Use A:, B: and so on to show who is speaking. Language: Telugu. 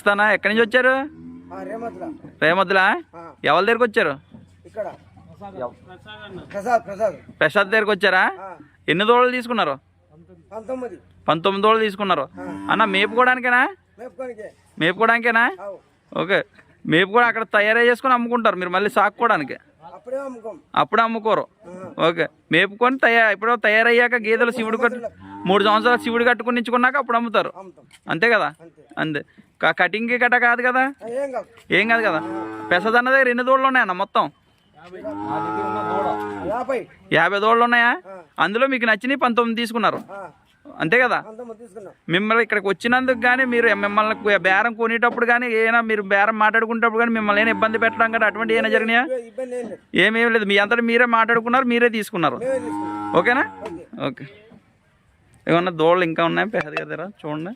A: వస్తానా? ఎక్కడి నుంచి వచ్చారు? రేమద్దులా? ఎవరి దగ్గరికి వచ్చారు? ప్రసాద్ దగ్గరికి వచ్చారా? ఎన్ని దూడలు తీసుకున్నారు? 19 దూడలు తీసుకున్నారు అన్న. మేపుకోవడానికేనా? మేపుకోవడానికేనా? ఓకే. మేపు కూడా అక్కడ తయారై చేసుకొని అమ్ముకుంటారు మీరు, మళ్ళీ సాకుకోవడానికి అప్పుడే అమ్ముకోరు. ఓకే. మేపుకొని ఇప్పుడు తయారయ్యాక గేదెలు శివుడు 3 సంవత్సరాలు శివుడు కట్టుకుని ఇచ్చుకున్నాక అప్పుడు అమ్ముతారు, అంతే కదా? అంతే. కటింగ్కి కట్ట కాదు కదా? ఏం కాదు కదా? పెసద్ అన్న దగ్గర ఎన్ని దూడలు ఉన్నాయన్న మొత్తం? 50 దూడలు ఉన్నాయా? అందులో మీకు నచ్చినవి 19 తీసుకున్నారు, అంతే కదా? మిమ్మల్ని ఇక్కడికి వచ్చినందుకు కానీ మిమ్మల్ని బేరం కొనేటప్పుడు కానీ ఏమైనా మీరు బేరం మాట్లాడుకునేటప్పుడు కానీ మిమ్మల్ని ఏమైనా ఇబ్బంది పెట్టడం కానీ అటువంటి ఏమైనా జరిగినాయా? ఏమేమి లేదు, మీ అంతటా మీరే మాట్లాడుకున్నారు, మీరే తీసుకున్నారు, ఓకేనా? ఓకే. ఏమన్నా దూడలు ఇంకా ఉన్నాయి పెద్ద దగ్గర చూడండి.